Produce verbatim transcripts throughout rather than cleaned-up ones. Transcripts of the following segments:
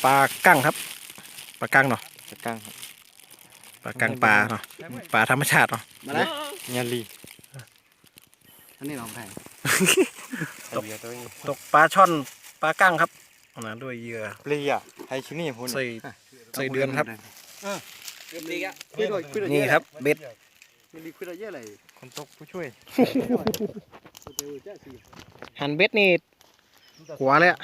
ปลากั้งครับปลากั้งเนาะปลากั้งครับปลากั้งปลาเนาะปลาธรรมชาติเนาะมาแล้วยาลีอันนี้ลองแพงตกตัวนี้ตกปลาช่อนปลากั้งครับนะด้วยเหยื่อเปรี้ยไทยชินี่พูนใส่ใส่เดือนครับเก็บดีอ่ะคุยด้วยคุยด้วยนี่ครับเบ็ดมีดีคุยด้วยเยอะเลยคนตกผู้ช่วยหันเบ็ดนี่หัวเลยอะ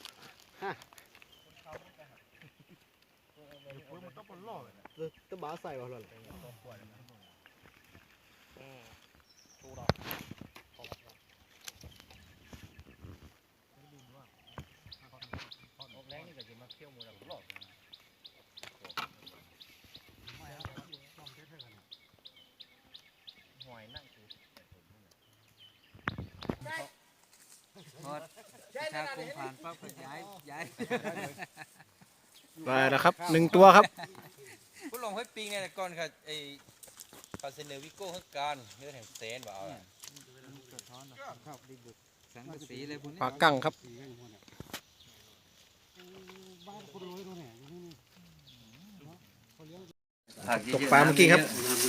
ต้องบ้าใส่ก่อนเลยพอชาคงผ่านปั๊บก็ย้ายย้ายได้แล้วครับหนึ่งตัวครับผู้ลงให้ปิงไงแต่ก่อนค่ะไอ้คาเซเนอร์วิโก้ให้การเนื้อแห่งเซนว่าเอาสังกะสีเลยคุณปลากั้งครับ ตกปลาเมื่อกี้ครับ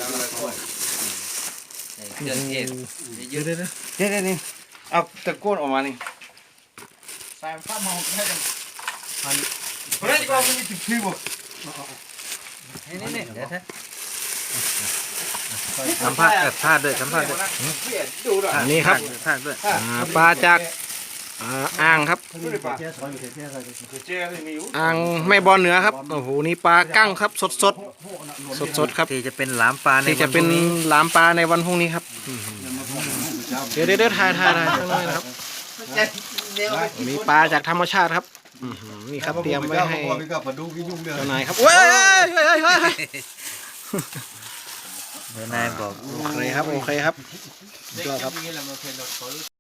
เดือนเอ็ดเดี๋ยวเดี๋ยวเดี๋ยวเดี๋ยวนี่เอาตะโกนออกมานี่ใส่ข้าวมองให้กันเฮ้ยก็ไม่ติดชื่อบ่นี่นี่นี่เดี๋ยวถ้าสัมภาษณ์เกิดพลาดด้วยสัมภาษณ์ด้วยดูด้วยอันนี้ครับท่าด้วยอ่าปลาจากอ่าอ่างครับดูดิป่ะเจ๊เลยมีอยู่อ่างแม่บอลเหนือครับโอ้โหนี่ปลากั้งครับสดสดสดสดๆครับที่จะเป็นหลามปลาในที่จะเป็นหลามปลาในวันพรุ่งนี้ครับเดี๋ยวเดี๋ยวเดี๋ยวถ่ายถ่ายถ่ายข้างในนะครับมีปลาจากธรรมชาติครับอื้อหือนี่ครับเตรียมไว้ให้เจ้านายครับเว้ยเฮ้ยเฮ้ยเฮ้ยเฮ้ยเดี๋ยวนายบอกโอเคครับโอเคครับยอดครับนี่แหละมันเป็นรถ